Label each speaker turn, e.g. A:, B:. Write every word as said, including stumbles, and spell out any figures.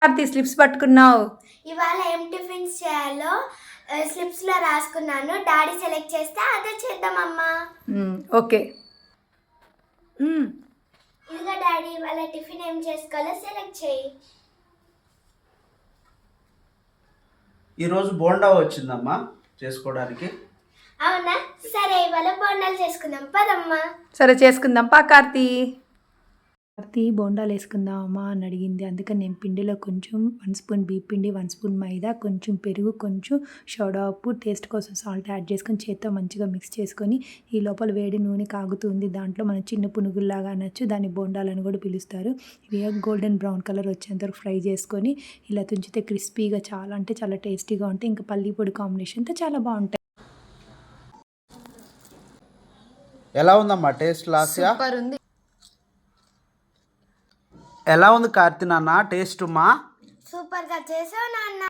A: Karthi slips పట్టుకున్నావు?
B: ఇవాళ ఏం టిఫిన్స్ చేయాలో స్లిప్స్ లో రాసుకున్నాను. డాడీ సెలెక్ట్ చేస్తే అదే చేద్దామమ్మా.
A: ఓకే.
B: ఇదిగో డాడీ, ఇవాళ టిఫిన్ ఏం చేసుకోవాలో సెలెక్ట్ చేయి.
C: ఈరోజు బోండా వచ్చిందమ్మా చేసుకోవడానికి.
B: అవునా, సరే ఇవాళ బోండాలు చేసుకుందాం పదమ్మా.
A: సరే చేసుకుందాం పా కార్తీ. కార్తీ బోండాలు వేసుకుందాం అమ్మా అని అడిగింది. అందుకని నేను పిండిలో కొంచెం వన్ స్పూన్ బియ్య పిండి, వన్ స్పూన్ మైదా, కొంచెం పెరుగు, కొంచెం సోడా ఉప్పు, టేస్ట్ కోసం సాల్ట్ యాడ్ చేసుకొని చేత్తో మంచిగా మిక్స్ చేసుకొని ఈ లోపల వేడి నూనె కాగుతుంది. దాంట్లో మనం చిన్న పునుగుల్లాగా అనొచ్చు, దాన్ని బోండాలని కూడా పిలుస్తారు. ఇవి గోల్డెన్ బ్రౌన్ కలర్ వచ్చేంత వరకు ఫ్రై చేసుకొని ఇలా తుంచితే క్రిస్పీగా చాలా అంటే చాలా టేస్టీగా ఉంటాయి. ఇంకా పల్లి పొడి కాంబినేషన్తో చాలా బాగుంటాయి.
C: ఎలా ఉందమ్మా టేస్ట్? లాస్ట్
A: ఉంది.
C: ఎలా ఉంది కార్తీ నాన్న టేస్ట్? మా
B: సూపర్ గా చేసావు నాన్న.